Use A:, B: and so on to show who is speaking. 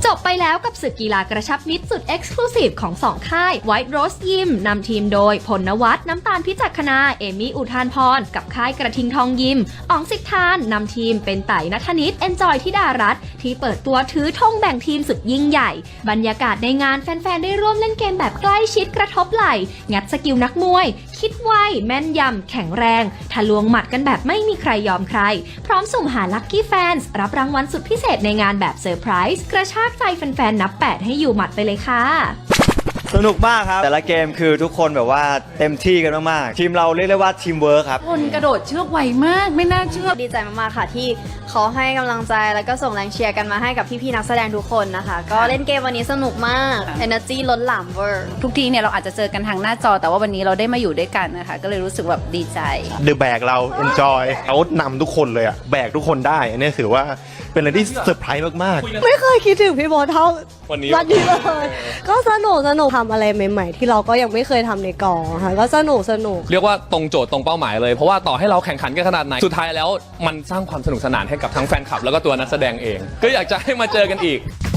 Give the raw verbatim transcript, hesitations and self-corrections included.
A: บไปแล้วกับศึกกีฬากระชับมิตรสุดเอ็กซ์คลูซีฟของสองค่าย White Rose Gym นำทีมโดยพลนวัฒน์น้ำตาลพิจักขณาเอมี่อุทานพรกับค่ายกระทิงทองยิมอ๋องสิทธานนำทีมเป็นไต่ณัฐนิตเอนจอยธิดารัตน์ที่เปิดตัวถือธงแบ่งทีมสุดยิ่งใหญ่บรรยากาศในงานแฟนๆได้ร่วมเล่นเกมแบบใกล้ชิดกระทบไหล่งัดสกิลนักมวยคิดไวแม่นยำแข็งแรงทะลวงหมัดกันแบบไม่มีใครยอมใครพร้อมสุ่มหาลัคกี้แฟนส์รับรางวัลสุดพิเศษในงานแบบเซอร์ไพรส์กระชากใจแฟนๆนับแปดให้อยู่หมัดไปเลยค่ะ
B: สนุกมากครับแต่ละเกมคือทุกคนแบบว่าเต็มที่กันมากๆทีมเราเรียกได้ว่าทีมเวิร์คครับ
C: คนกระโดดเชือกไวมากไม่น่าเชื่อ
D: ดีใจมากๆค่ะที่เขาให้กำลังใจแล้วก็ส่งแรงเชียร์กันมาให้กับพี่ๆนักแสดงทุกคนนะคะก็เล่นเกมวันนี้สนุกมาก Energy ล้นหลามเวอร์
C: ทุกทีเนี่ยเราอาจจะเจอกันทางหน้าจอแต่ว่าวันนี้เราได้มาอยู่ด้วยกันนะคะก็เลยรู้สึกแบบดีใจ
E: เดอะแบกเราเอนจอยเขานำทุกคนเลยอะแบกทุกคนได้อันนี้ถือว่าเป็นอะไรที่เซอร์ไพรส์มาก
F: ๆไม่เคยคิดถึงพี่โบ๊ทเท่าวันนี้วันนี้เลยก็สนุกสนุกทำอะไรใหม่ๆที่เราก็ยังไม่เคยทำในกองค่ะก็สนุกสนุก
G: เรียกว่าตรงโจทย์ตรงเป้าหมายเลยเพราะว่าต่อให้เราแข่งขันกันขนาดไหนสุดท้ายแล้วมันสร้างความสนุกสนานให้กับทั้งแฟนคลับแล้วก็ตัวนักแสดงเองก็อยากจะให้มาเจอกันอีก